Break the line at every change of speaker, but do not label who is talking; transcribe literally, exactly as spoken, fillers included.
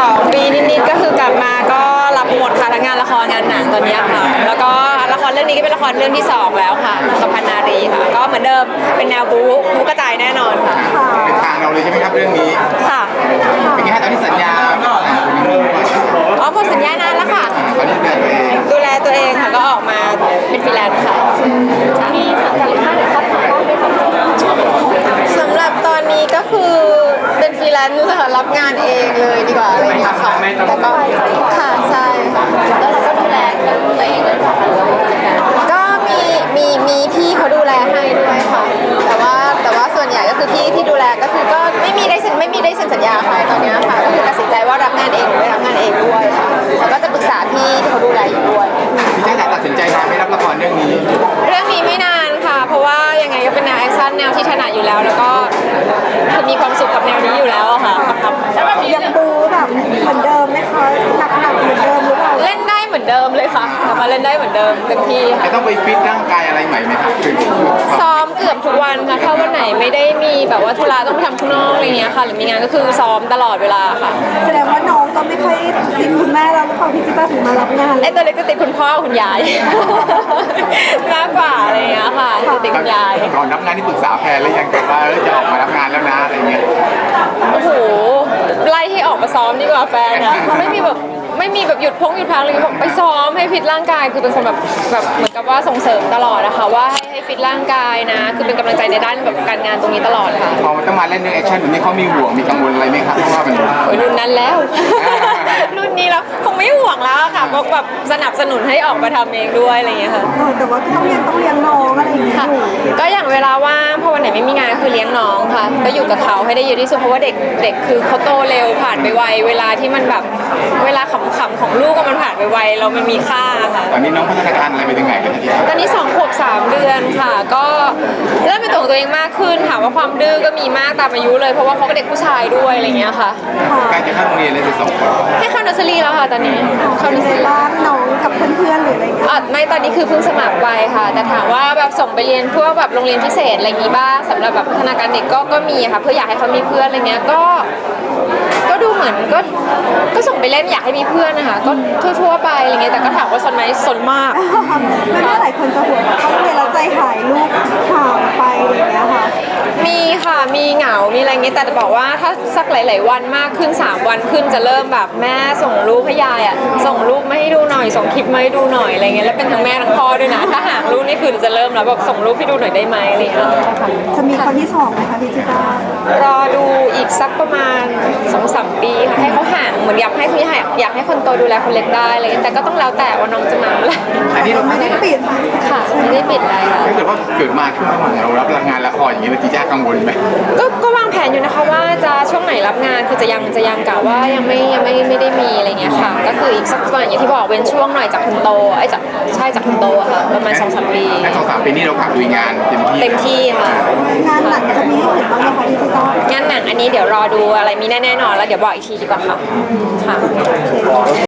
สองปีนิดๆก็คือกลับมาก็รับหมดค่ะทั้งงานละครงานหนังตอนนี้ค่ะแล้วก็ละครเรื่องนี้ก็เป็นละครเรื่องที่สองแล้วค่ะกับพันนารีค่ะก็เหมือนเดิมเป็นแนวบู๊บู๊กระจายแน่นอนค่ะ
เป็นทางเราเลยใช่ไหมครับเรื่องนี้
ค่ะ
เป็นไงฮะตอนนี้สัญญา
อ๋อหมดสัญญานานแล้วค่ะ
ตอนนี้ดูแลตัวเอง
ดูแลตัวเองค่ะก็ออกมาเป็นฟรีแลนซ์ค่ะมีสังกัดค่ายหรือครอบครัวบ้างไหมคะสำหรับตอนนี้ก็คือเป็นฟรีแลนซ์ค่ะรับงานเองเลยดีกว่าอะไรอย่างเงี้ยค่ะแต่ก็ค่ะใช่แล้วเราก็ดูแลตัวเองเลยค่ะก็มีมีมีพี่เขาดูแลให้ด้วยค่ะแต่ว่าแต่ว่าส่วนใหญ่ก็คือพี่ที่ดูแลก็คือก็ไม่มีได้เซ็นไม่มีได้เซ็นสัญญาใครตอนนี้ค่ะก็คือตัดสินใจว่ารับงานเองหรือไม่รับงานเองด้วยค่ะแล้วก็จะปรึกษาพี่ที่เขาดูแลอยู่ด้วย
พี่แจ๊คตัดสินใจนานไม่รับละครเรื่องนี้
เรื่องนี้ไม่นานค่ะเพราะว่ายังไงก็เป็นแนวแอคชั่นแนวที่ถนัดอยู่แล้วแล้วก็คือมีความสุขกับแนวนี้อยู่แล้วค่ะ
แล้วแบบยังบูแบบเหมือนเดิมไหมคะหนักหนักเหมือนเดิมหรือเปล่า
เล่นได้เหมือนเดิมเลยค่ะกลับมาเล่นได้เหมือนเดิมเต็มที่ค่ะ
จะต้องไปฟิตร่างกายอะไรใหม่ไหมครับคือ
ซ้อมเกือบทุกวันค่ะถ้าวันไหนไม่ได้มีแบบว่าธุระต้องไปทำข้างนอกอะไรเงี้ยค่ะหรือมีงานก็คือซ้อมตลอดเวลาค่ะ
แสดงว่าน้องก็ไม่ค่อยติดคุณแม่แล้วหรือเปล่าพี่จิ๊บถึงมารับงาน
ไอ้ตัวเล็กจะติดคุณพ่อคุณยายมากกว่าอะไรเงี้ยค่ะจะติดคุณยาย
ก่อนรับงานที่ปรึกษาแพนแล้วยังแต่ว่าจะออกมารับงานแล้วนะอะไรเงี้ย
โอ้โหไล่ให้ออกมาซ้อมดีกว่าแฟนนะเขาไม่มีแบบไม่มีแบบหยุดพงหยุดพักเลยบอกไปซ้อมให้ฟิตร่างกายคือเป็นคนแบบแบบเหมือนกับว่าส่งเสริมตลอดนะคะว่าให้ให้ฟิตร่างกายนะคือเป็นกำลังใจในด้านแบบการงานตรงนี้ตลอดค่ะ
พอมันต้องมาเล่นเรื่องแอคชั่นแบบนี้เขามีห่วงมีกังวลอะไรไหมครับเพราะว่ามัน
โอ้ยรุ่นนั้นแล้วรุ่นนี้แล้วคงไม่ห่วงแล้วค่ะก็แบบสนับสนุนให้ออกมาทำเองด้วยอะไรอย่างเงี้ยค่ะ
แต่ว่าต้องเลี้ยงต้องเลี้ยงน้องอะไรอย่างเงี้ย
ก็อย่างเวลาว่างพอวันไหนไม่มีงานก็คือเลี้ยงน้องค่ะก็อยู่กับเขาให้ได้เยอะที่สุดเพราะว่าเด็กเด็กคือเขาโตเร็วผ่านไปไวเวลาที่มันแบบเวลาขำๆของลูกก็มันผ่านไปไวเรามันมีค่าค่ะ
ตอนนี้น้องพัฒนาการอะไรไปถึงไหนกันที
ตอนนี้สองขวบสามเดือนค่ะก็เริ่มเป็นตัวของตัวเองมากขึ้นถามว่าความดื้อก็มีมากตามอายุเลยเพราะว่าเขาก็เด็กผู้ชายด้วยอะไรเงี้ยค่ะ
การจะเข้าโรงเรียนเลยสิสองคน
ให้เข้าเนอร์เซอรี่แล้วค่ะตอนนี้
เข้าเนอร์เซอรี่บ้านน้องกับเพื่อนๆหรืออะไรเงี้ย
อ๋อไม่ตอนนี้คือเพิ่งสมัครไปค่ะแต่ถามว่าแบบส่งไปเรียนพวกแบบโรงเรียนพิเศษอะไรอย่างงี้บ้างสำหรับแบบพัฒนาการเด็กก็ก็มีค่ะเพื่ออยากให้เขามีเพื่อนอะไรเงี้ยก็ก็ดูเหมือนก็ก็ส่งไปเล่นอยากให้มีเพื่อนนะคะก็ทั่วๆไปอะไรเงี้ยแต่ก็ถามว่าสนไหมสนมาก
ไม่ว่าหลายคนจะห่วงเขาเรียนแล้วใจหายลูกห่างไปอะไรเงี้ยค่ะ
มีค่ะมีเหงา มีอะไรเงี้ยแต่จะบอกว่าถ้าสักหลายๆวันมากขึ้นสามวันขึ้นจะเริ่มแบบแม่ส่งรูปให้ยายอ่ะส่งรูปมาให้ดูหน่อยส่งคลิปมาให้ดูหน่อยอะไรเงี้ยแล้วเป็นทั้งแม่ทั้งพ่อด้วยนะถ้าห่างรูปนี่คือจะเริ่มแล้วแบบส่งรูปให้ดูหน่อยได้ไหมอะไรเงี้ย
จะมีคนที่สองไหมคะพี่จิ๊บ
รอดูอีกสักประมาณสองสามปีค่ะให้เขาห่างเหมือนอยากให้พี่อยากให้คนโตดูแลคนเล็กได้อะไรเงี้ยแต่ก็ต้องแล้วแต่ว่าน้องจะมาเมื่อไหร่
อันนี้เรา
ไม่ได้ปิด
ค่ะไม่ได้ปิดอะไรค่ะ
ถ้าเกิดว่าเกิดมาขึ้นมาเรารับงานละครอย่างนี้เราจีจ้ากังวลไหม
ก็ก็วางแผนอยู่นะคะว่าจะช่วงไหนรับงานคือจะยังจะยังกะว่ายังไม่ยังไม่ไม่ได้มีอะไรเงี้ยค่ะก็คืออีกสักประมาณอย่างที่บอกเป็นช่วงหน่อยจากคุณโตไอ้จากใช่จากคุณโตค่ะประมาณสองสามปี
ในสองสามปีนี้เราขับลุยงานเต็มที่
เต็มที่ค่ะ
งานหนังจะมีให้เห็นบ้างไหมคะพี่จิ๊บ
งานหนังอันนี้เดี๋ยวรอดูอะไรมีแน่ๆนอนแล้วเดี๋ยวบอกอีกทีดีกว่าค่ะค่ะ